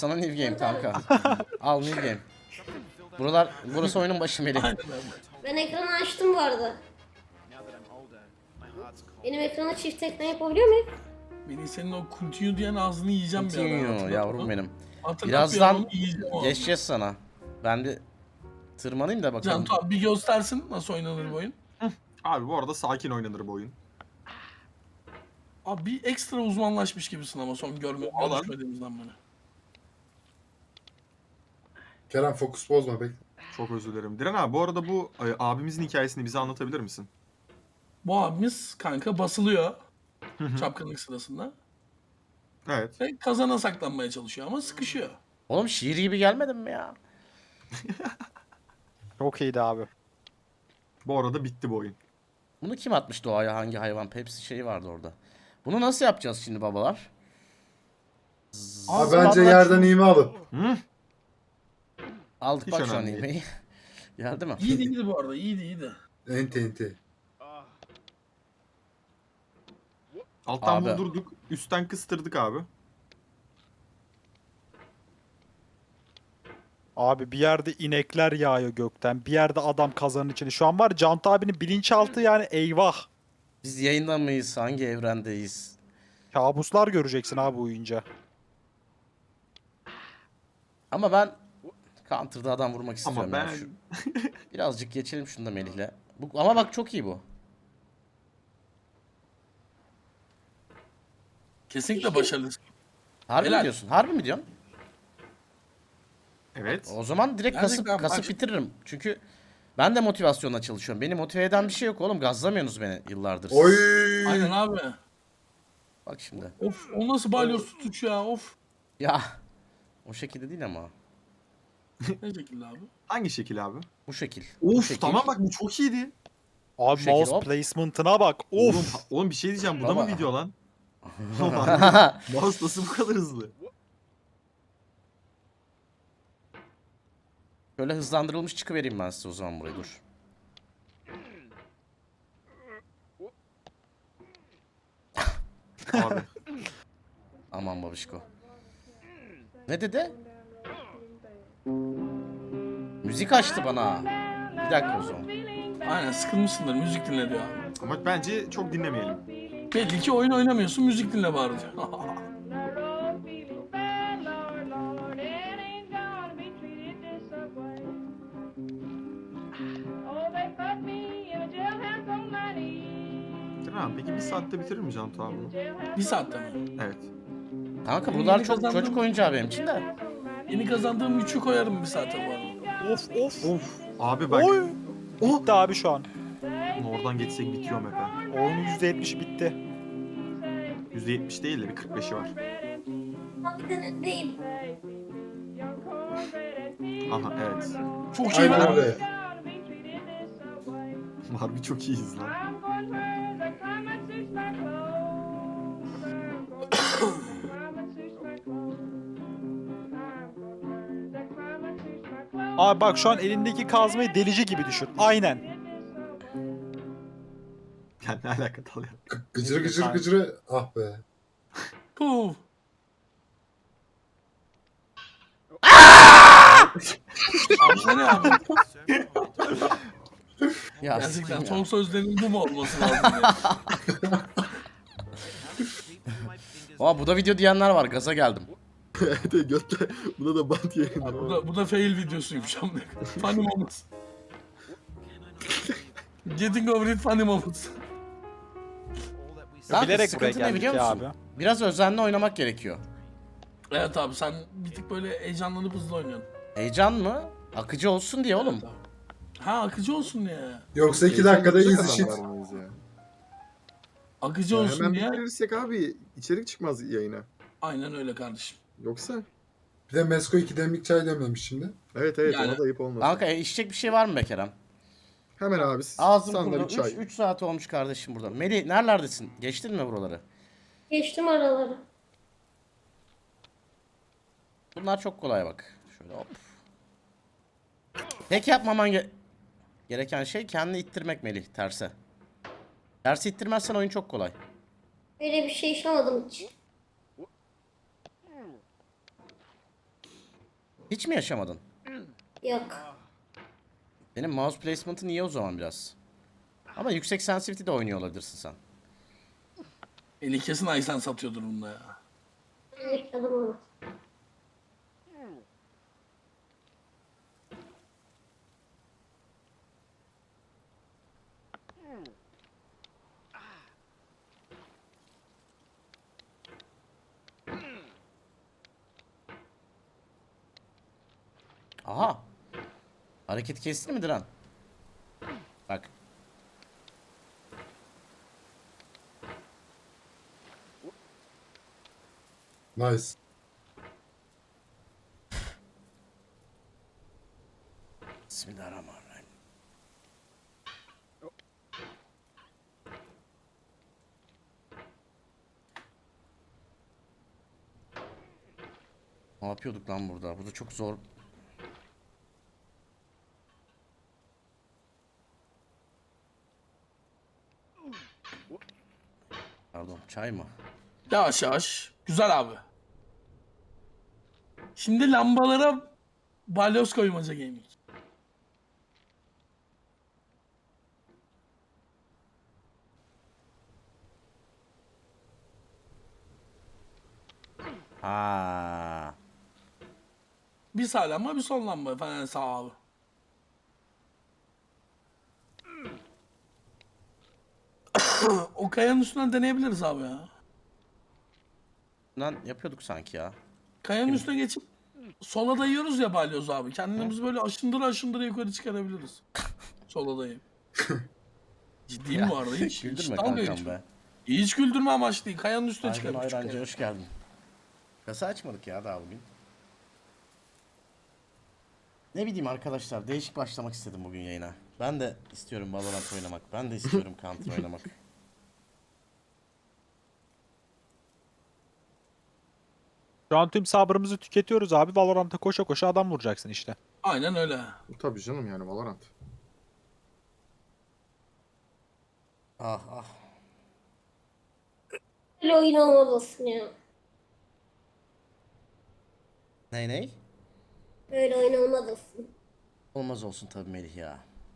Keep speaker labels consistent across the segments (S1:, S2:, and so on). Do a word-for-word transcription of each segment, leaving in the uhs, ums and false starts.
S1: Sana new game kanka. Al new game. Buralar, burası oyunun başı Melih.
S2: Ben ekranı açtım bu arada. Benim ekrana çift tekne yapabiliyor muyum?
S3: Beni senin o continue diyen ağzını yiyeceğim bir ara.
S1: Continue
S3: Hatırlat
S1: yavrum
S3: onu.
S1: benim.
S3: Hatırlat bir
S1: Birazdan
S3: ara onu, yiyeceğim o ağzını.
S1: geçeceğiz sana. Ben bir tırmanayım da bakalım.
S3: Cantu abi bir göstersin nasıl oynanır bu oyun.
S4: Abi bu arada sakin oynanır bu oyun.
S3: Abi bir ekstra uzmanlaşmış gibisin ama son görme,
S4: Alan.
S3: görüşmediğimizden beri.
S5: Kerem fokus bozma bekle.
S4: Çok özür dilerim. Diren abi bu arada bu e, abimizin hikayesini bize anlatabilir misin?
S3: Bu abimiz kanka basılıyor çapkınlık sırasında
S4: Evet.
S3: ve kazana saklanmaya çalışıyor ama sıkışıyor.
S1: Oğlum şiir gibi gelmedin mi ya?
S6: Çok iyiydi abi.
S4: Bu arada bitti bu oyun.
S1: Bunu kim atmış doğaya, hangi hayvan? Pepsi şeyi vardı orada. Bunu nasıl yapacağız şimdi babalar?
S5: Abi
S3: Ağzı
S5: bence
S3: bambaşka-
S5: yerden iğme alın.
S4: Hı?
S1: Aldık
S4: Hiç
S1: bak şu an
S4: önemli değil.
S1: yemeği. Geldi mi?
S3: İyiydi iyiydi bu arada, iyiydi iyiydi.
S5: Enti enti.
S4: Alttan
S1: Abi.
S4: buldurduk, üstten kıstırdık abi.
S6: Abi bir yerde inekler yağıyor gökten. Bir yerde adam kazanın içinde. Şu an var Cantu abinin bilinçaltı yani eyvah.
S1: Biz yayında mıyız? Hangi evrendeyiz?
S6: Kabuslar göreceksin abi uyuyunca.
S1: Ama ben Counter'da adam vurmak istiyorum.
S4: Ama
S1: ya.
S4: ben
S1: Şu- birazcık geçelim şunu da Melih'le. Bu, ama bak çok iyi bu.
S3: Kesinlikle başarılısın.
S1: Harbi
S3: Helal.
S1: mi diyorsun? Harbi mi diyorsun?
S4: evet.
S1: O zaman direkt kasıp
S3: Gerçekten
S1: kasıp
S3: bak-
S1: bitiririm. Çünkü ben de motivasyonla çalışıyorum. Beni motive eden bir şey yok oğlum. Gazlamıyorsunuz beni yıllardır. siz.
S5: Oy.
S3: Aynen abi.
S1: Bak şimdi.
S3: Of, o nasıl balyoz tutuş ya, of.
S1: Ya o şekilde değil ama.
S3: Ne şekilde abi?
S4: Hangi şekil abi?
S1: Bu şekil. bu
S4: Of
S1: şekil.
S4: tamam bak bu çok iyiydi.
S6: Abi
S1: şekil
S6: mouse
S1: hop.
S6: placement'ına bak.
S4: Oğlum,
S6: Of.
S4: ha- oğlum bir şey diyeceğim bu da
S1: Baba.
S4: mı video lan? Mouse nasıl bu kadar hızlı?
S1: Şöyle hızlandırılmış çıkıvereyim ben size o zaman buraya dur.
S4: Abi.
S1: Aman babişko. Ne dedi? Müzik açtı bana. Bir dakika o zaman.
S3: Aynen sıkılmışsındır, müzik dinle diyor abi.
S4: Ama bence çok dinlemeyelim.
S3: Belli ki oyun oynamıyorsun, müzik dinle bari diyor.
S4: Diren abi peki bir saatte bitirir mi Cantu abi bunu?
S3: Bir saatte mi?
S4: Evet.
S1: Kanka
S3: Yeni
S1: bunlar çok
S3: kazandım.
S1: çocuk oyuncağı benim için de.
S3: Yeni kazandığım üçü koyarım bir saate bu arada.
S6: Of of.
S4: Of. Abi bak.
S6: Oy.
S4: Oh.
S6: Bitti abi şu an.
S4: Oradan geçsek bitiyor map ha.
S6: Oyunun yüzde yetmişi bitti.
S4: yüzde yetmiş değil de bir kırk beşi var.
S2: Abi de öndeyim.
S4: Aha evet.
S3: Çok şey
S5: Aynen
S3: var.
S5: öyle.
S4: Harbi çok iyiyiz lan.
S6: Abi bak şu an elindeki kazmayı delici gibi düşün. Aynen.
S4: Yani ne alaka dalıyor?
S5: Gı- Gıcır gıcır gıcırı. Ah be.
S3: Puh. Abi bu ne abi?
S1: Ya
S3: Gerçekten
S1: sikeyim ya.
S3: son sözlerin bu mu olması lazım ya?
S1: Aa, bu da video diyenler var. Gaza geldim.
S4: Evet götle. Buna da bant yayın.
S3: Abi bu da, bu da fail videosuymuş ama. Funny moments. Getting over it funny moments.
S1: Kanka,
S6: Bilerek buraya
S1: sıkıntı ne
S6: geldik
S1: biliyor
S6: ya
S1: musun?
S6: abi.
S1: Biraz özenli oynamak gerekiyor.
S3: Evet abi sen bir tık böyle heyecanlanıp hızlı oynuyorsun.
S1: Heyecan mı? Akıcı olsun diye oğlum.
S3: Evet abi. Ha akıcı olsun diye.
S5: Yoksa iki dakikada easy shit.
S3: Akıcı olsun
S7: Hemen
S3: diye.
S7: bitirirsek abi içerik çıkmaz yayına.
S3: Aynen öyle kardeşim.
S7: Yoksa
S5: Bir de Mesko iki demlik çay demlemiş şimdi.
S7: evet evet
S3: Yani-
S7: ona da ayıp olmasın.
S1: Kanka e, içecek bir şey var mı be Kerem?
S7: Hemen abi
S1: Ağzım
S7: sana da
S1: kurudu.
S7: bir çay.
S1: üç saat olmuş kardeşim burada. Melih nerelerdesin? Geçtin mi buraları?
S2: Geçtim araları.
S1: Bunlar çok kolay bak. Şöyle hop. Tek yapmaman ge- gereken şey kendini ittirmek Melih terse. Tersi ittirmezsen oyun çok kolay.
S2: Böyle bir şey yaşamadım hiç.
S1: Hiç mi yaşamadın?
S2: Yok.
S1: Benim mouse placement'ın iyi o zaman biraz. Ama yüksek sensitivity de oynuyor olabilirsin sen.
S3: Eli kesin Aysen satıyordur bunda ya.
S2: Ben yıkadım onu.
S1: Aha. Hareket kesti mi Diren? Bak.
S5: Nice.
S1: Bismillahirrahmanirrahim. Ne yapıyorduk lan burada? Burada çok zor. Pardon, çay mı?
S3: Yavaş yavaş. Güzel abi. Şimdi lambalara balyoz koymaca gaming.
S1: Ha.
S3: Bir sağ lamba bir sol lamba falan sağ abi. O kayanın üstünden deneyebiliriz abi ya.
S1: Lan yapıyorduk sanki ya.
S3: Kayanın üstüne geçip sola dayıyoruz ya balyoz abi. Kendimizi böyle aşındıra aşındıra yukarı çıkarabiliriz. Sola dayayıp. Ciddiyim bu arada hiç. hiç
S1: Güldürme
S3: dalga
S1: kankam
S3: geçme.
S1: be.
S3: Hiç güldürme amaçlı değil. Kayanın üstüne
S1: Aydın
S3: çıkarıp
S1: Ayrancı
S3: çıkarıp.
S1: hoş geldin. Kasa açmadık ya daha bugün. Ne bileyim arkadaşlar, değişik başlamak istedim bugün yayına. Ben de istiyorum Valorant oynamak. Ben de istiyorum Counter oynamak.
S6: Şu an tüm sabrımızı tüketiyoruz abi. Valorant'a koşa koşa adam vuracaksın işte.
S3: Aynen öyle.
S7: Tabii canım yani Valorant.
S1: Ah ah.
S2: Böyle oyun olmalısın ya.
S1: Ney ney?
S2: Böyle oyun olmalısın.
S1: Olmaz olsun tabii Melih ya.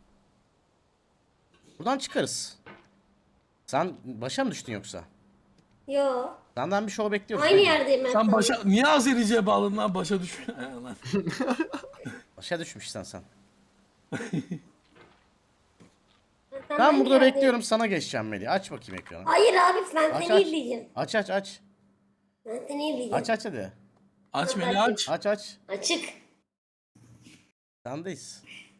S1: Buradan çıkarız. Sen başa mı düştün yoksa?
S2: Yo.
S1: Senden bir show bekliyoruz.
S2: Aynı
S1: değil mi?
S2: yerdeyim ben.
S3: Sen
S2: sana.
S3: başa... Niye Azerice'ye bağladın lan? Başa düşüyor. Lan.
S1: Başa düşmüşsen sen.
S2: Sen
S1: Ben
S2: aynı
S1: burada
S2: yerdeyim.
S1: bekliyorum, sana geçeceğim Melih. Aç bakayım ekranı.
S2: Hayır abi ben
S1: Aç
S2: seni
S1: aç.
S2: izleyeceğim.
S1: Aç aç aç.
S2: Ben seni izleyeceğim.
S1: Aç aç hadi.
S3: Aç beni aç.
S1: Aç aç.
S2: Açık.
S1: Sendeyiz.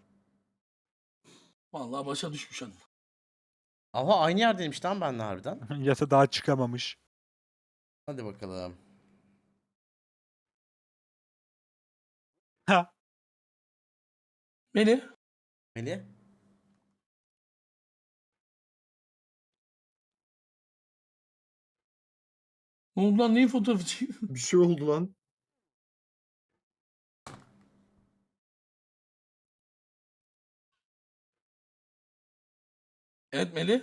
S3: Vallahi başa düşmüş hanım.
S1: Aha aynı yerdeymiş lan benle harbiden.
S6: Yasa daha çıkamamış.
S1: Hadi bakalım.
S6: Ha.
S3: Beni.
S1: Melih.
S3: Ne oldu lan? Neyin fotoğrafı çekiyorsun?
S7: Bir şey oldu lan.
S3: Evet Melih.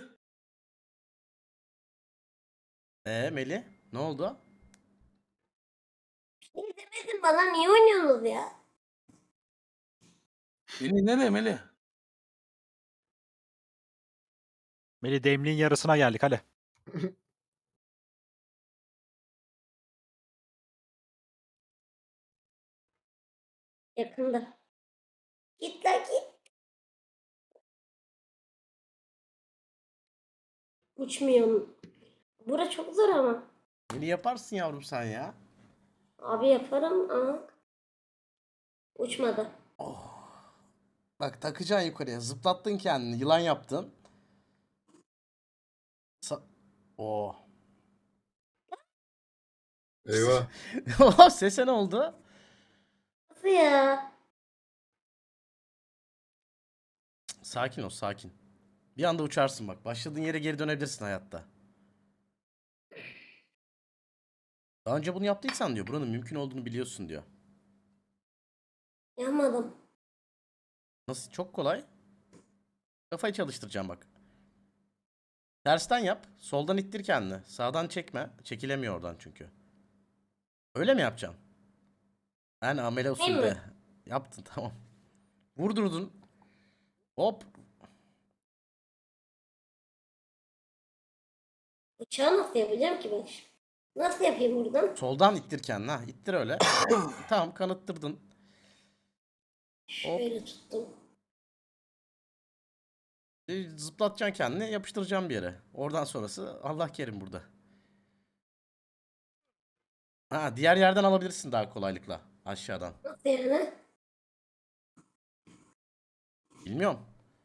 S1: Ee Melih ne oldu?
S2: Niye demedin bana niye oynuyorsunuz ya?
S3: Beni nereye Melih?
S6: Melih demliğin yarısına geldik hadi.
S2: Yakında. Git lan git. Uçmuyorum. Bura çok zor ama.
S1: Melih yaparsın yavrum sen ya.
S2: Abi yaparım ama. Uçmadı.
S1: Bak takacaksın yukarıya. Zıplattın kendini. Yılan yaptın. Sa Oo.
S5: Eyvah.
S1: Oha sese ne oldu?
S2: Nasıl ya?
S1: Sakin ol sakin. Bir anda uçarsın bak. Başladığın yere geri dönebilirsin hayatta. Daha önce bunu yaptıysan diyor. Buranın mümkün olduğunu biliyorsun diyor.
S2: Yapmadım.
S1: Nasıl? Çok kolay. Kafayı çalıştıracağım bak. Tersten yap. Soldan ittir kendini. Sağdan çekme. Çekilemiyor oradan çünkü. Öyle mi yapacaksın? Yani amele
S2: Değil
S1: usulde.
S2: mi?
S1: Yaptın tamam. Vurdurdun. Hop.
S2: Uçağı nasıl yapacağım ki ben? Nasıl yapayım buradan?
S1: Soldan ittir kendini ha. İttir öyle. Tamam kanıttırdın. Hop.
S2: Şöyle tuttum.
S1: E, Zıplatacaksın kendini yapıştıracaksın bir yere. Oradan sonrası Allah kerim burada. Ha diğer yerden alabilirsin daha kolaylıkla. Aşağıdan.
S2: Nasıl yani?
S1: Bilmiyorum.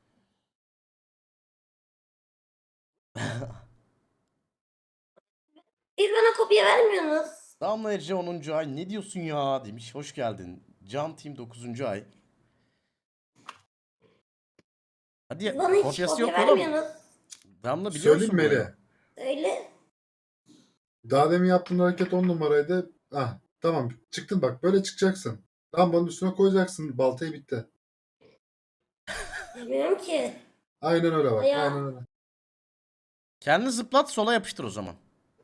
S2: Bir bana kopya vermiyorsunuz.
S1: Damla Ece onuncu ay ne diyorsun ya demiş. Hoş geldin. Can Team dokuzuncu ay. Hadi
S2: Bana hiç
S1: kopyası
S2: kopya
S1: yok oğlum.
S2: vermiyorsunuz.
S1: Damla biliyor
S5: Söyleyeyim
S1: musun
S5: mi
S1: bunu?
S5: Meli?
S2: Öyle.
S5: Daha demin yaptığın hareket on numaraydı. Ah tamam çıktın bak böyle çıkacaksın. Lambanın üstüne koyacaksın baltayı bitti.
S2: Bilmiyorum ki.
S5: Aynen öyle bak.
S2: Ya.
S5: Aynen öyle.
S1: Kendini zıplat sola yapıştır o zaman.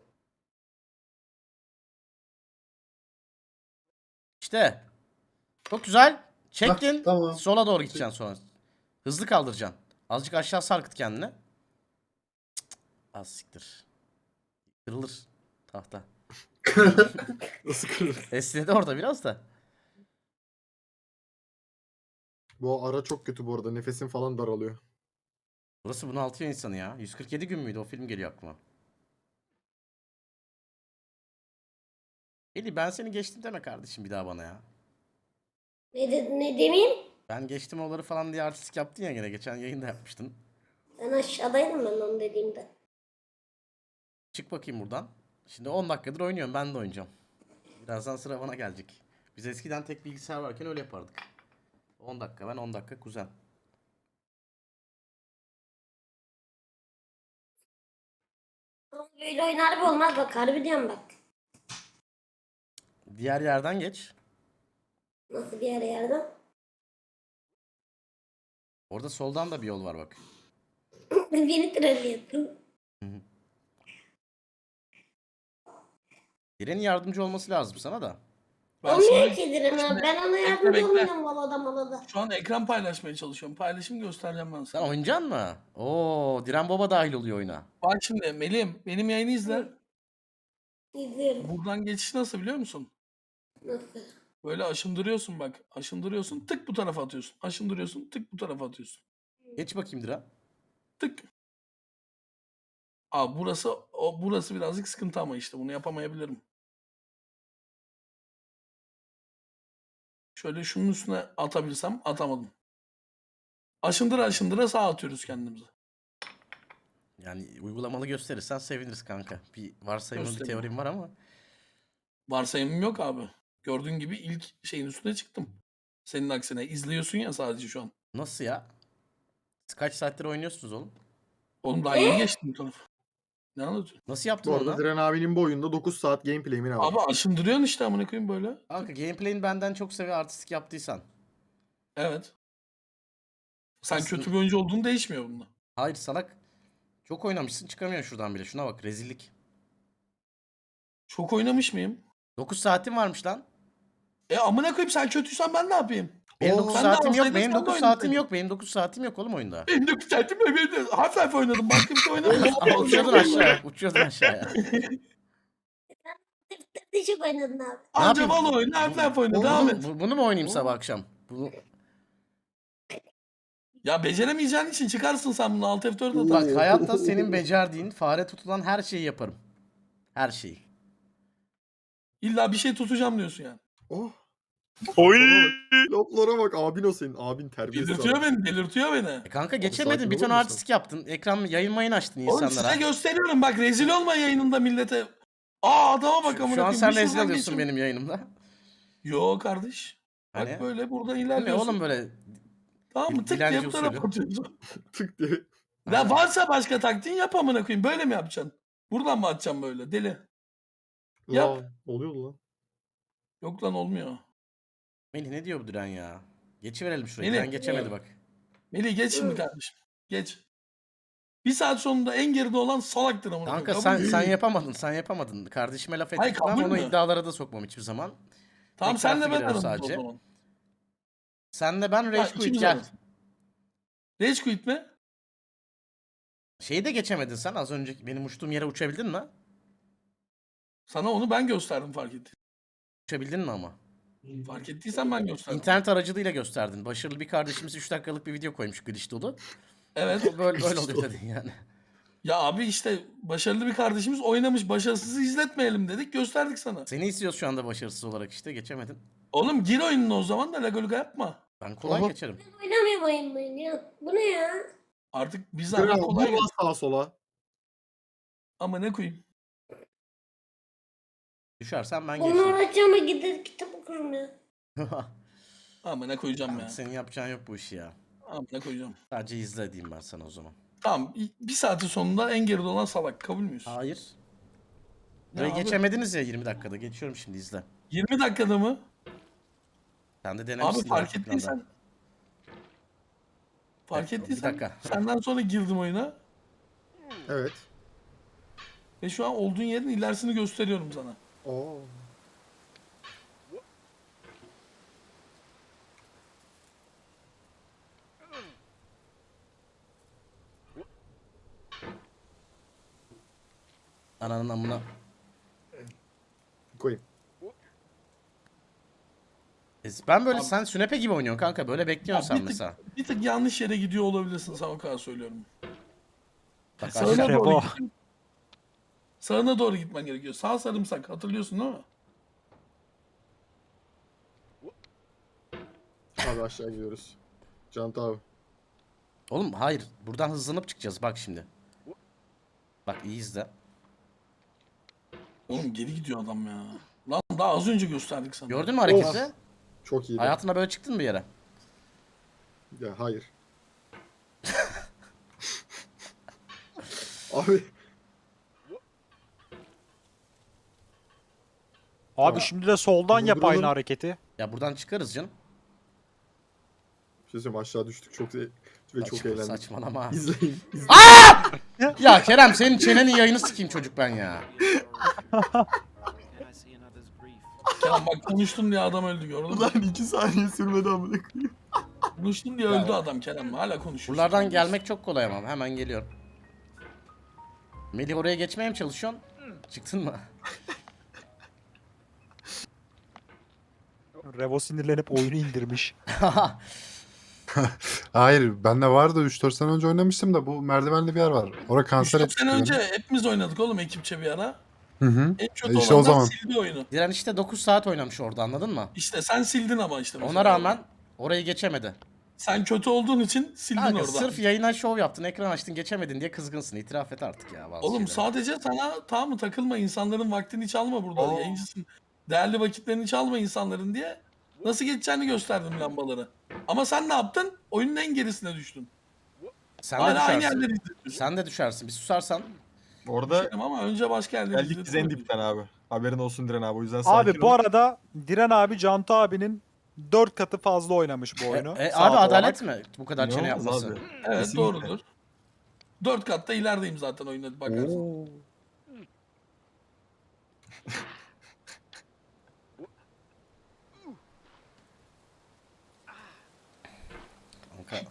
S1: İşte. Çok güzel. Çektin.
S5: Hah, tamam.
S1: Sola doğru gideceksin sonra. Hızlı kaldıracaksın. Azıcık aşağı sarkıt kendini. Cık, cık. Az siktir. Kırılır tahta.
S7: Nasıl kırılır?
S1: Esnedi orada biraz da.
S7: Bu ara çok kötü bu arada. Nefesim falan daralıyor.
S1: Burası bunaltıyor insanı ya. yüz kırk yedi gün müydü? O film geliyor aklıma. Eli ben seni geçtim deme kardeşim bir daha bana ya.
S2: Ne, de, ne demeyeyim?
S1: Ben geçtim oları falan diye artistik yaptın ya gene. Geçen yayında yapmıştın.
S2: Ben aşağıdaydım ben onu dediğimde.
S1: Çık bakayım buradan. Şimdi on dakikadır oynuyorum. Ben de oynayacağım. Birazdan sıra bana gelecek. Biz eskiden tek bilgisayar varken öyle yapardık. on dakika ben on dakika kuzen.
S2: Ama böyle oyun harbi olmaz bak harbi diyorum bak.
S1: Diğer yerden geç.
S2: Nasıl bir yere yerden?
S1: Orada soldan da bir yol var bak.
S2: Beni trollüyorsun.
S1: Direnin yardımcı olması lazım sana da.
S3: Ben
S2: Olmuyor
S3: şimdi,
S2: ki Diren abi.
S3: şimdi-
S2: Ben ona
S3: bekle,
S2: yardımcı
S3: bekle.
S2: olmuyorum malada malada.
S3: şu an ekran paylaşmaya çalışıyorum. Paylaşım göstereceğim ben
S1: Sen
S3: sana.
S1: oynayacaksın mı? Oo, Diren Baba dahil oluyor oyuna.
S3: Bak şimdi Melih'im benim yayını izle.
S2: İzliyorum.
S3: Buradan geçiş nasıl biliyor musun?
S2: Nasıl?
S3: Böyle aşındırıyorsun bak. Aşındırıyorsun tık bu tarafa atıyorsun. Aşındırıyorsun tık bu tarafa atıyorsun.
S1: Geç bakayım Diren.
S3: Tık. Aa burası o burası birazcık sıkıntı ama işte bunu yapamayabilirim. Şöyle şunun üstüne atabilsem atamadım. Aşındıra aşındıra sağa atıyoruz kendimizi.
S1: Yani uygulamalı gösterirsen seviniriz kanka. Bir varsayımlı bir
S3: Göstereyim.
S1: teorim var ama.
S3: Varsayımım yok abi. Gördüğün gibi ilk şeyin üstüne çıktım. Senin aksine izliyorsun ya sadece şu an.
S1: Nasıl ya? Siz kaç saattir oynuyorsunuz oğlum?
S3: Oğlum daha yeni geçtim bu tarafa. Ne anlatıyorsun?
S1: Nasıl yaptın
S7: Bu
S1: onu?
S7: arada Diren abinin bu oyunda dokuz saat gameplay mi ne var?
S3: Abi aşındırıyorsun işte amına koyayım böyle.
S1: Kanka gameplay'ini benden çok seviyor artistik yaptıysan.
S3: Evet. Sen
S1: Aslında-
S3: kötü bir oyuncu olduğun değişmiyor bunda.
S1: Hayır salak. Çok oynamışsın çıkamıyorsun şuradan bile. Şuna bak rezillik.
S3: Çok oynamış mıyım?
S1: dokuz saatin varmış lan.
S3: E amına koyayım sen kötüysen ben ne yapayım?
S1: Benim
S7: Oo,
S1: dokuz
S3: sen de
S1: saatim yok.
S3: alsaydın
S1: Benim
S3: sen de
S1: dokuz
S3: oynasaydın.
S1: saatim yok. Benim dokuz saatim yok oğlum oyunda.
S3: Benim dokuz saatim yok. Benim de Half-Life oynadım. Başka bir şey oynamadım.
S1: Ama uçuyordun aşağıya. Uçuyordun aşağıya.
S2: Tık çok oynadın abi.
S3: Anca
S1: yapayım?
S3: Valo oyna, Half-Life oyna. Devam
S1: Bunu,
S3: et.
S1: bu- bunu mu oynayayım sabah akşam? Bunu,
S3: Ya beceremeyeceğin için çıkarsın sen bunu. Alt F dört
S1: bak
S3: atar.
S1: hayatta senin becerdiğin fare tutulan her şeyi yaparım. Her şeyi.
S3: İlla bir şey tutacağım diyorsun yani.
S7: Oh.
S6: Oy!
S7: Loplara bak abin o senin. Abin terbiyesiz.
S3: Delirtiyor
S7: adam.
S3: beni, delirtiyor beni.
S1: E kanka
S7: sakin
S1: geçemedin. Bir
S7: olur
S1: ton
S7: musun?
S1: artistik yaptın. Ekran yayın mayın açtın
S3: Oğlum
S1: insanlara.
S3: size gösteriyorum bak rezil olma yayınında millete. Aa adama bak
S1: Şu,
S3: amına
S1: şu an
S3: koyayım,
S1: sen
S3: bir
S1: rezil
S3: şuradan
S1: oluyorsun
S3: geçiyorum.
S1: benim yayınımda.
S3: Yo kardeş. Bak
S1: Hani?
S3: böyle buradan
S1: Bu ne
S3: ilerliyorsun.
S1: oğlum böyle?
S3: Tamam mı?
S1: Dil-
S3: Tık diye
S1: dilenci
S3: bu tarafa
S1: usulü.
S3: atıyorsun.
S7: Tık diye.
S3: Ya varsa başka taktiğin yap amına koyayım. Böyle mi yapacaksın? Buradan mı atacaksın böyle? Deli. Yap.
S7: Lan, oluyordu lan.
S3: Yok lan olmuyor.
S1: Melih ne diyor bu Diren ya? Geçiverelim şurayı.
S3: Melih.
S1: Diren geçemedi bak.
S3: Melih geç şimdi kardeşim. Geç. Bir saat sonunda en geride olan salaktır amına koyayım.
S1: Kanka
S3: Kabul
S1: sen
S3: mü?
S1: sen yapamadın. Sen yapamadın. Kardeşime laf
S3: Hayır,
S1: ettirtmem.
S3: kabul
S1: Onu
S3: mü?
S1: iddialara da sokmam hiçbir zaman.
S3: Tamam
S1: Tek
S3: senle
S1: taraflı
S3: ben
S1: giriyoruz
S3: aramız o
S1: sadece.
S3: zaman.
S1: Senle ben
S3: Ha,
S1: Rage Quit
S3: ikimiz
S1: gel.
S3: ararız. Rage quit mi?
S1: Şeyi de geçemedin sen az önce benim uçtuğum yere uçabildin mi?
S3: Sana onu ben gösterdim fark ettin.
S1: Uçabildin mi ama?
S3: Fark ettiysen ben gösterdim.
S1: İnternet aracılığıyla gösterdin. Başarılı bir kardeşimiz üç dakikalık bir video koymuş glitch dolu.
S3: Evet.
S1: O böyle böyle oluyor dedin yani.
S3: Ya abi işte başarılı bir kardeşimiz oynamış. Başarısızı izletmeyelim dedik. Gösterdik sana.
S1: Seni istiyoruz şu anda başarısız olarak işte geçemedin.
S3: Oğlum gir oyununa o zaman da lagoluga yapma.
S1: Ben kolay
S7: Aha.
S1: geçerim.
S2: Oynamıyorum oyun oyun ya. Bu ne ya?
S3: Artık biz
S7: Diren
S3: ama
S7: abi
S3: kolay
S7: vur lan sağa sola.
S3: ama ne koyayım.
S1: Düşersen ben
S2: Bunu
S1: geçtim.
S2: öğreteceğime gider kitap okurum ya.
S3: Ama ne koyacağım ya.
S1: Senin yapacağın yok bu işi ya.
S3: Ama ne koyacağım.
S1: Sadece izle diyeyim ben sana o zaman.
S3: Tamam bir saatin sonunda en geride olan salak. Kabul müyüz?
S1: Hayır.
S3: Ne
S1: Burayı
S3: abi?
S1: geçemediniz ya yirmi dakikada. Geçiyorum şimdi izle.
S3: yirmi dakikada mı?
S1: Sen de denemişsin.
S3: Abi fark
S1: daha
S3: ettiysen.
S1: ekranda.
S3: Fark
S1: Evet,
S3: ettiysen.
S1: bir dakika.
S3: Senden sonra girdim oyuna.
S7: Evet.
S3: Ve şu an olduğun yerin ilerisini gösteriyorum sana.
S7: Oo.
S1: Ananın amına.
S7: Koyayım.
S1: E, Ben böyle
S3: Abi-
S1: sen sünepe gibi oynuyorsun kanka. Böyle bekliyorsun
S3: Ya
S1: sen
S3: bir tık-
S1: mesela.
S3: Bir tık yanlış yere gidiyor olabilirsin, sana o kadar söylüyorum.
S1: Bak
S3: Sağına
S1: aşağı-
S3: doğru
S6: Revo.
S3: gitmen- Sağına doğru gitmen gerekiyor. Sağ sarımsak, hatırlıyorsun değil mi?
S7: Abi aşağı gidiyoruz. Canta abi.
S1: Oğlum hayır. Buradan hızlanıp çıkacağız bak şimdi. Bak iyi izle.
S3: Oğlum geri gidiyor adam ya. Lan daha az önce gösterdik sana.
S1: Gördün mü hareketi?
S7: Çok iyi.
S1: Hayatında böyle çıktın mı bir yere?
S7: Ya hayır. Abi
S6: Abi şimdi de soldan yap
S7: Durduralım.
S6: aynı hareketi.
S1: Ya buradan çıkarız canım.
S7: bir şey söyleyeyim, aşağı düştük çok ve çok
S1: Saçma-
S7: eğlendik.
S1: Saçmalama.
S7: İzleyin. izleyin.
S1: Ya Kerem senin çenenin yayını sikeyim çocuk ben ya.
S3: Kenan bak konuştun diye adam öldü, gördün mü?
S4: Ulan iki saniye sürmedi amına koyayım.
S3: Konuştun diye öldü adam Kenan. Hala konuşuyorsun.
S1: Buralardan gelmek çok kolay ama hemen geliyorum. Melih oraya geçmeye mi çalışıyorsun? Çıktın mı?
S6: Revo sinirlenip oyunu indirmiş.
S5: Hayır bende vardı üç dört sene önce oynamıştım da bu merdivenli bir yer var. Orada kanser
S3: üç dört sene
S5: etmişti
S3: önce
S5: beni.
S3: hepimiz oynadık oğlum ekipçe bir ara.
S5: Hı hı.
S3: En kötü
S5: E işte o
S3: olanlar
S5: zaman.
S3: sildi oyunu.
S1: Diren işte dokuz saat oynamış orada anladın mı?
S3: İşte sen sildin ama işte. mesela.
S1: Ona rağmen orayı geçemedi.
S3: Sen kötü olduğun için sildin
S1: Kanka
S3: orada.
S1: sırf yayına şov yaptın, ekran açtın, geçemedin diye kızgınsın. İtiraf et artık ya bazı
S3: Oğlum
S1: şeylere.
S3: sadece sana tamam mı takılma, insanların vaktini çalma burada.
S4: Oo.
S3: Yayıncısın. Değerli vakitlerini çalma insanların diye nasıl geçeceğini gösterdim lambaları. Ama sen ne yaptın? Oyunun en gerisine düştün.
S1: Sen de
S3: Hala aynı
S1: düşersin.
S3: yerleri izliyorsun.
S1: Sen de düşersin. Bir susarsan.
S4: Orada
S3: Ama önce başka yerleri
S4: geldik
S3: izledim.
S4: biz en dipten abi. Haberin olsun Diren abi. O yüzden sakin
S6: Abi bu
S4: ol.
S6: arada Diren abi Cantu abinin dört katı fazla oynamış bu
S1: E,
S6: oyunu.
S1: e,
S6: saat
S1: abi adalet
S6: olarak.
S1: mi bu kadar çene
S4: İnanılmaz
S1: yapması?
S4: abi.
S3: Evet
S4: Kesinlikle.
S3: doğrudur. Dört katta ilerideyim zaten oyuna bakarsın.
S6: Oo.
S1: Kanka.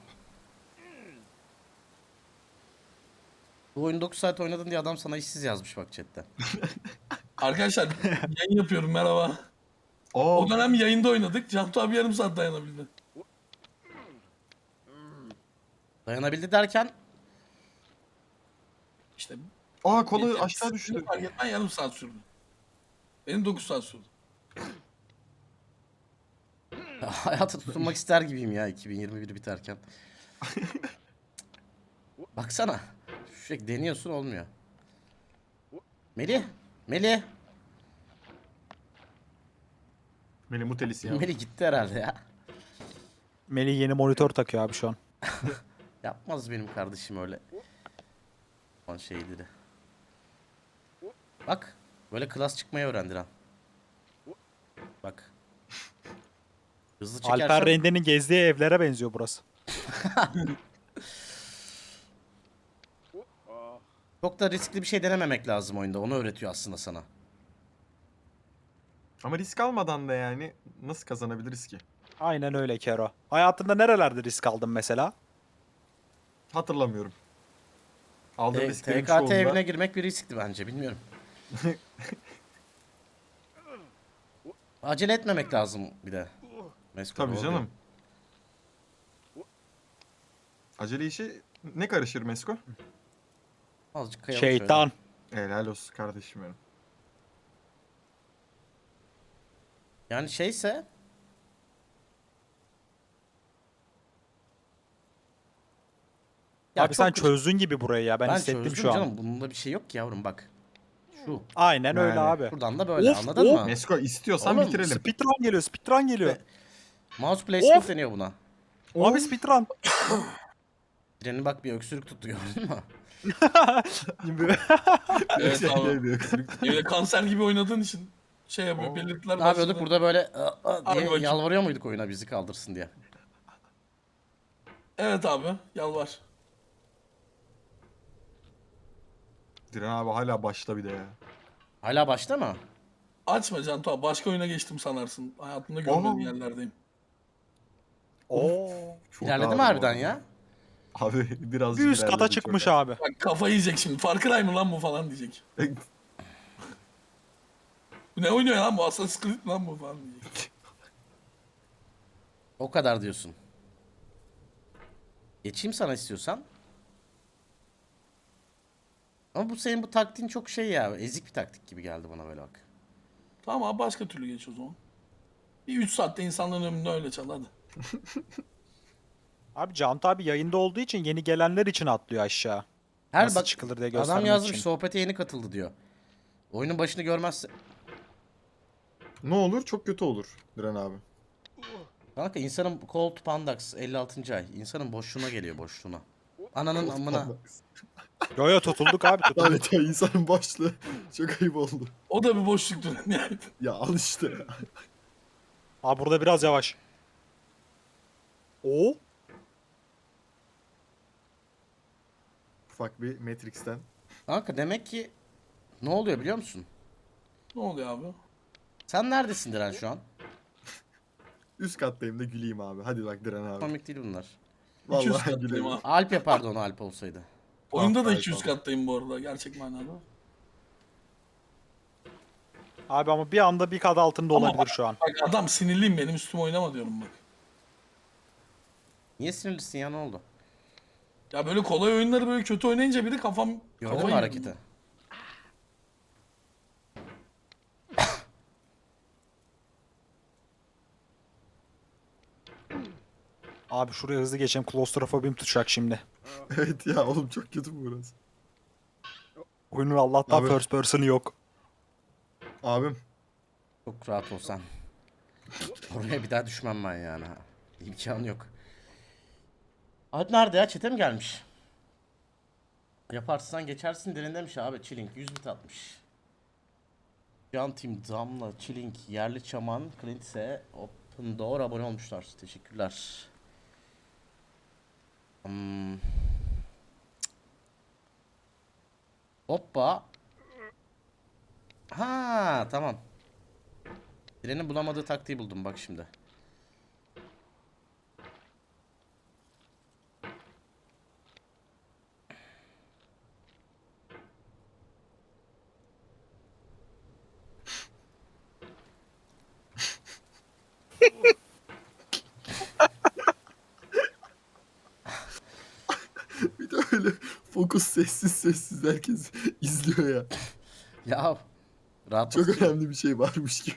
S1: Bu oyunu dokuz saat oynadın diye adam sana işsiz yazmış bak chatte.
S3: Arkadaşlar yayın yapıyorum, merhaba.
S4: Oo,
S3: O dönem yayında oynadık. Cantu abi yarım saat dayanabildi.
S1: Dayanabildi derken
S3: İşte
S4: aa kolu
S3: bir-
S4: aşağı düştü.
S3: fark etmen yarım saat sürdü. Benim dokuz saat sürdü.
S1: hayata tutunmak ister gibiyim ya iki bin yirmi bir biterken. Baksana. Sürekli deniyorsun olmuyor. Melih. Melih.
S4: Beni mutelisin ya.
S1: Melih gitti herhalde ya.
S6: Melih yeni monitör takıyor abi şu an.
S1: Yapmaz benim kardeşim öyle. Lan şeyleri. Bak. Böyle klas çıkmayı öğrendi lan. Bak. Hızlı çekersen.
S6: Alper Rende'nin gezdiği evlere benziyor burası.
S1: Çok da riskli bir şey denememek lazım oyunda. Onu öğretiyor aslında sana.
S4: Ama risk almadan da yani nasıl kazanabiliriz ki?
S6: Aynen öyle Kero. Hayatında nerelerde risk aldın mesela?
S4: Hatırlamıyorum. Aldığım
S1: T-
S4: risklerin
S1: TKT
S4: çoğunda...
S1: evine girmek bir riskti bence, bilmiyorum. Acele etmemek lazım bir de. Mesko,
S4: Tabii
S1: doğru
S4: canım.
S1: diyor.
S4: Acele işi ne karışır Mesko?
S1: Azıcık kayalım şöyle.
S6: Şeytan.
S4: Helal olsun kardeşim benim.
S1: Yani şeyse Ya
S6: Abi sen
S1: çok-
S6: çözdün gibi burayı ya. Ben,
S1: ben
S6: hissettim
S1: çözdüm
S6: şu an.
S1: canım. Bunda bir şey yok ki yavrum, bak. Şu.
S6: Aynen öyle
S4: Yani.
S6: abi.
S1: Buradan da böyle,
S6: Of,
S1: anladın
S6: of.
S1: mı?
S4: Mesko istiyorsan
S1: Oğlum,
S4: bitirelim.
S6: Speedrun geliyor, speedrun geliyor.
S1: Mouse placement
S6: Of.
S1: deniyor buna.
S6: Abi speedrun.
S1: Trenin bak bir öksürük tuttu, gördün mü?
S3: Evet
S4: Şey
S3: abi.
S4: diye bir öksürük.
S3: Öyle kanser gibi oynadığın için şey yapıyor.
S4: Oo.
S3: Belirtiler
S1: Ne yapıyorduk
S3: başladı.
S1: burada böyle "Aa, aa"
S3: Hadi
S1: diye
S3: bakayım.
S1: yalvarıyor muyduk oyuna bizi kaldırsın diye?
S3: Evet abi. Yalvar.
S4: Diren abi hala başta bir de ya.
S1: Hala başta mı?
S3: Açma Cantu abi. Başka oyuna geçtim sanarsın. Hayatımda görmediğin
S4: Aa.
S3: yerlerdeyim.
S6: Oo.
S4: Çok
S1: İlerledi
S4: ağır
S1: mi
S4: bu
S1: harbiden
S4: arada.
S1: ya?
S4: Abi biraz
S6: Bir üst kata çıkmış abi.
S3: Bak kafayı yiyecek şimdi. Far Cry mı lan bu falan diyecek. Bu ne oynuyor lan bu? Assassin's Creed lan bu falan diyecek.
S1: O kadar diyorsun. Geçeyim sana istiyorsan. Ama bu senin bu taktiğin çok şey ya. Ezik bir taktik gibi geldi bana böyle bak.
S3: Tamam abi başka türlü geç o zaman. Bir üç saatte insanların önünde öyle çal hadi.
S6: Abi Cantu abi yayında olduğu için yeni gelenler için atlıyor aşağı.
S1: Her
S6: Nasıl
S1: bak
S6: çıkılır diye
S1: adam
S6: göstermek
S1: yazmış
S6: için.
S1: sohbete yeni katıldı diyor. Oyunun başını görmezse.
S7: Ne olur? Çok kötü olur Diren abi.
S1: Kanka insanın Cold Pandax elli altıncı ay. İnsanın boşluğuna geliyor, boşluğuna. Ananın amına.
S6: Yo yo tutulduk abi tutulduk.
S7: Evet ya insanın başlığı. Çok ayıp oldu.
S3: O da bir boşluktur yani.
S7: Ya al işte ya.
S6: Abi burada biraz yavaş. Oo.
S7: Ufak bir Matrix'ten.
S1: Kanka demek ki ne oluyor biliyor musun?
S3: Ne oluyor abi?
S1: Sen neredesin Diren şu an?
S7: Üst kattayım da güleyim abi. Hadi bak Diren abi.
S1: Komik değil bunlar.
S3: iki yüz
S7: Vallahi
S3: kattayım
S7: güleyim.
S3: abi.
S1: Alp yapardı onu, Alp olsaydı.
S3: Oyunda da
S7: Ah,
S3: iki yüz
S7: tamam.
S3: kattayım bu arada gerçek manada.
S6: Abi ama bir anda bir kat altında
S3: Ama
S6: olabilir şu an.
S3: Bak adam sinirliyim benim üstüme oynama diyorum bak.
S1: Niye sinirlisin ya, ne oldu?
S3: Ya böyle kolay oyunları böyle kötü oynayınca bir de kafam
S1: Gördün
S3: kafayı
S1: mü
S3: yedim.
S1: hareketi?
S6: Abi şuraya hızlı geçeyim. Klostrofobim tutacak şimdi.
S7: Evet ya oğlum çok kötü bu burası.
S6: Oyunun Allah'tan
S7: Abi.
S6: first person'ı yok.
S7: Abim.
S1: Çok rahat olsan. Oraya bir daha düşmem ben yani. ha. İmkanı yok. Alp nerede ya? Çete mi gelmiş? Yaparsın geçersin derin demiş abi. Chilling yüz bit atmış. Can Team, Damla, Chilling, Yerli Çaman, Clint ise Open Door abone olmuşlar. Teşekkürler. Hmm. Hoppa. Ha tamam. Direnin bulamadığı taktiği buldum bak şimdi.
S7: Bir de öyle fokus sessiz sessiz herkes izliyor ya.
S1: Ya rahat
S7: Çok önemli bir şey varmış gibi.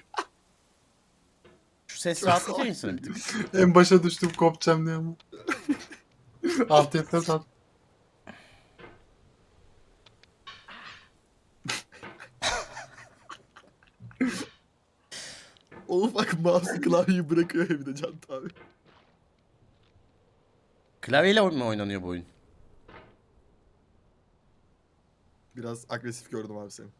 S1: Şu ses rahatlatıyor insanı bir tık.
S5: En başa düştüm kopacağım diye ama. Alt F F at.
S7: Oğlum bak mouse klavyeyi bırakıyor evde Can abi.
S1: Klavyeyle mi oynanıyor bu oyun?
S7: Biraz agresif gördüm abi seni.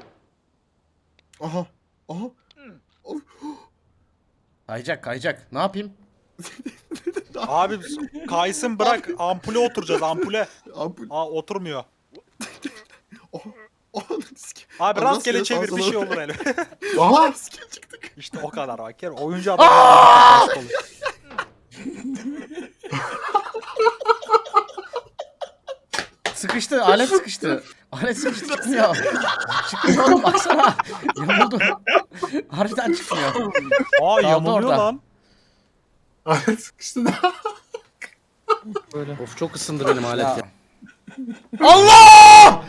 S7: Aha. Aha. Of.
S1: Kayacak kayacak. Ne yapayım?
S6: Abi kaysın bırak. Ampule oturacağız ampule.
S7: Ampul.
S6: Aa oturmuyor.
S7: Aha. Aha. Risk.
S6: Abi
S7: Abi
S6: rastgele
S7: rastgele
S6: çevir bir
S7: sağa
S6: şey
S7: sola-
S6: olur hele.
S5: Aha!
S7: Risk çıktı.
S6: İşte o kadar bak. Yani oyuncu adam.
S1: Sıkıştı. Alet sıkıştı. Alet sıkıştı çıkmıyor. Çıkmıyor oğlum baksana. Yamuldu. Harbiden çıkmıyor.
S6: Aa yamuluyor
S1: orada.
S6: lan.
S5: Alet sıkıştı da.
S6: Böyle.
S1: Of çok ısındı benim alet ya. Allah!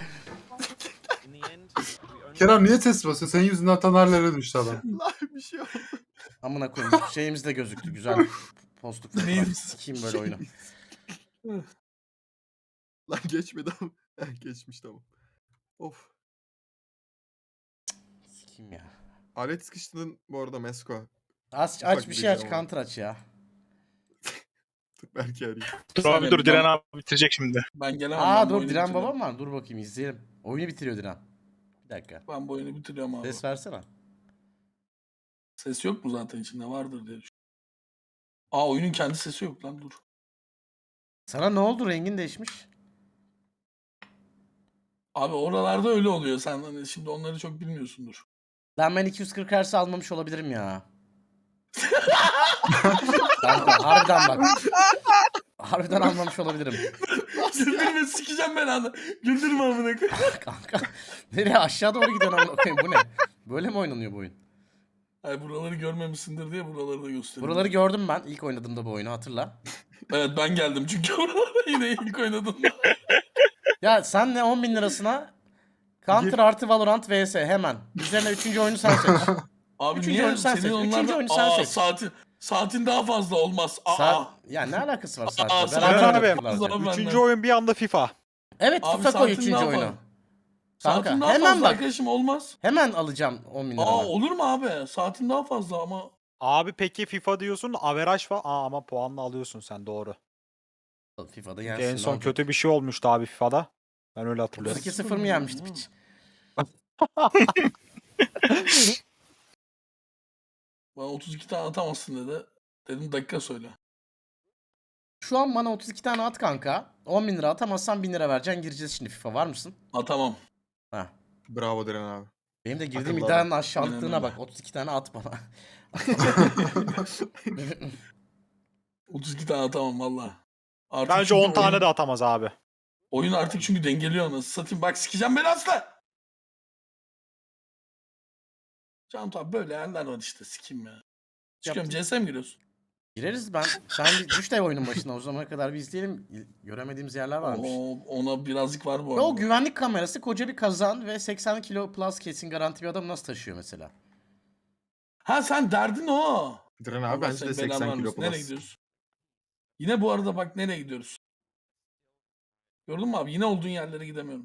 S5: Kerem niye ses basıyor? Senin yüzünden Taner'lere düştü adam.
S4: Lan bir şey oldu.
S1: Amına koyayım. Şeyimiz de gözüktü. Güzel. Postluk fotoğraf.
S3: Neyimiz?
S1: Sikeyim böyle oyunu.
S7: Lan geçmedi ama. Heh, geçmiş tamam. Of.
S1: Sikeyim ya.
S7: Alet sıkıştırdın bu arada Mesko.
S1: Aç,
S7: Ufak
S1: aç bir
S7: bir
S1: şey aç.
S7: video ama.
S1: Counter aç ya.
S7: Dur belki arayayım.
S3: Bir
S8: Dur abi
S3: saniye,
S8: dur
S3: ben-
S8: Diren abi bitirecek şimdi.
S3: Ben gelemem.
S1: Aa
S3: ben bu
S1: dur
S3: oyunu
S1: Diren
S3: bitiriyorum.
S1: babam var. Dur bakayım izleyelim. Oyunu bitiriyor Diren. Bir dakika.
S3: Ben bu oyunu bitiriyorum abi.
S1: Ses versene.
S3: Ses yok mu zaten içinde vardır diye düşünüyorum. Aa oyunun kendi sesi yok lan dur.
S1: Sana ne oldu? Rengin değişmiş.
S3: Abi oralarda öyle oluyor. Sen hani şimdi onları çok bilmiyorsundur.
S1: Lan ben iki yüz kırk Hz almamış olabilirim ya. Kanka harbiden bak. Harbiden almamış olabilirim.
S3: Güldürme sikeceğim ben anı. Güldürme amına koyayım.
S1: Kanka. Nereye aşağı doğru gidiyorsun amına koyayım bu ne? Böyle mi oynanıyor bu oyun?
S3: Ay buraları görmemişsindir diye buraları da gösteriyorum.
S1: Buraları gördüm ben ilk oynadığımda bu oyunu hatırla.
S3: Evet ben geldim çünkü buralara yine ilk oynadım.
S1: Ya sen ne on bin lirasına Counter artı Valorant vs hemen. Üzerine üçüncü oyunu sen seç.
S3: Abi
S1: Üçüncü
S3: niye
S1: oyunu sen
S3: senin
S1: seç,
S3: onlarda...
S1: üçüncü oyunu sen
S3: Aa,
S1: seç.
S3: Saatin, saatin daha fazla olmaz. Aa.
S1: Sa- ya ne alakası var
S3: Aa,
S1: saatle?
S3: sen-
S1: Beraber
S6: Diren abi.
S1: yapıyorlar zaten.
S3: Ben
S6: Üçüncü
S3: de.
S6: oyun bir anda FIFA.
S1: Evet
S3: Abi
S1: FIFA koy
S3: saatin
S1: üçüncü
S3: daha
S1: oyunu.
S3: fazla.
S1: Kanka
S3: Saatin daha
S1: hemen
S3: fazla
S1: bak.
S3: arkadaşım olmaz.
S1: Hemen alacağım on bin
S3: Aa
S1: lirama.
S3: olur mu abi? Saatin daha fazla ama.
S6: Abi peki FIFA diyorsun averaj var. Aa ama puanla alıyorsun sen doğru.
S1: FIFA'da
S6: Çünkü
S1: yensin.
S6: en son kötü bir şey olmuştu abi FIFA'da. Ben öyle hatırlıyorum.
S1: iki sıfır mı yenmişti piç?
S3: Bana otuz iki tane atamazsın dedi. Dedim dakika söyle.
S1: Şu an bana otuz iki tane at kanka. on bin lira atamazsan bin lira vereceksin. Gireceğiz şimdi FIFA. Var mısın?
S3: Atamam.
S1: Ha.
S7: Bravo Diren abi.
S1: Benim de girdiğim
S7: Akıllı
S1: iddianın
S7: adam.
S1: aşağılıklığına
S3: Aynen
S1: bak. otuz iki tane at bana.
S3: otuz iki tane atamam valla. Artık
S6: Bence
S3: çünkü
S6: on tane
S3: oyun-
S6: de atamaz abi.
S3: Oyun artık çünkü dengeliyor anasını satayım. Bak sikeceğim beni asla. Can abi böyle yerler var işte sikeyim ya. Çıkıyorum C S'ye mi giriyorsun?
S1: Gireriz ben. Sen bir düş de oyunun başına. O zamana kadar bir izleyelim. Göremediğimiz yerler varmış.
S3: Oo, ona birazcık var bu
S1: Ve
S3: arada.
S1: o güvenlik kamerası koca bir kazan ve seksen kilo plus kesin garanti bir adam nasıl taşıyor mesela?
S3: Ha sen derdin o.
S7: Diren abi
S3: Allah
S7: bence
S3: senin
S7: de
S3: belanı
S7: seksen kilo
S3: vermesin. Nereye
S7: plus.
S3: gidiyoruz? Yine bu arada bak nereye gidiyoruz? Gördün mü abi? Yine olduğun yerlere gidemiyorum.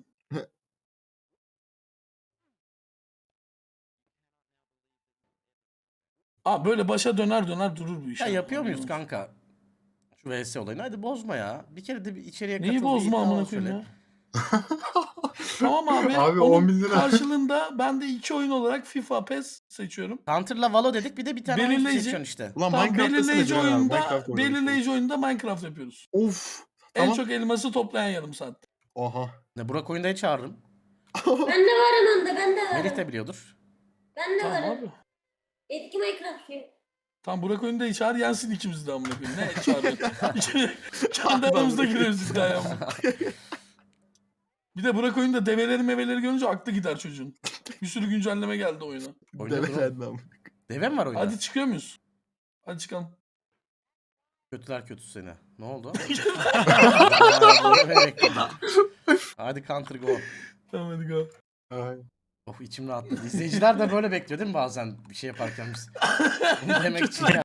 S3: Aa böyle başa döner döner durur bu iş.
S1: Ya
S3: abi,
S1: yapıyor
S3: anlıyor
S1: muyuz
S3: musun?
S1: kanka? Şu V S olayını. Hadi bozma ya. Bir kere de bir içeriye
S3: Neyi
S1: katıl. bir
S3: bozma
S1: iddia
S3: amına
S1: söyle.
S3: koyayım ya? Tamam abi.
S5: Abi
S3: onun
S5: on bin lira.
S3: karşılığında ben de iki oyun olarak FIFA, PES seçiyorum.
S1: Counter'la Valo dedik bir de bir tane oyun
S3: Belirleyici.
S1: seçiyorsun işte.
S7: Ulan
S3: Tamam,
S7: Minecraft desene
S3: belirleyici
S7: Diren abi.
S3: oyunda,
S7: Minecraft oynamış
S3: belirleyici oyunda Minecraft yapıyoruz.
S7: olduk. Of.
S3: En
S7: Tamam.
S3: çok elması toplayan yarım saat.
S7: Oha.
S1: Ne Burak oyundayı çağırırım.
S2: Ben de varım onda, ben de
S1: Melih
S2: varım.
S1: de biliyordur.
S2: Ben de
S3: Tamam
S2: varım.
S3: abi.
S2: Etki Minecraft'lıyım.
S3: Tam Burak oyunda çağır yensin ikimiz de amına koyayım. Ne çağırıyor? Kendi aramızda giriyoruz iddiaya amına. Bir de Burak oyunda develeri meveleri görünce aklı gider çocuğun. Bir sürü güncelleme geldi oyuna.
S1: Oyunda dur.
S7: Develerden ama.
S1: Deve mi var oyunda?
S3: Hadi çıkıyor muyuz? Hadi çıkalım.
S1: Kötüler kötüsü seni. Ne oldu? Ya, böyle bekledim. Hadi counter go.
S3: Tamam hadi go.
S5: Ay.
S1: Of içim rahatladı. İzleyiciler de böyle bekliyor değil mi bazen bir şey yaparken biz? Bunu demek için ya.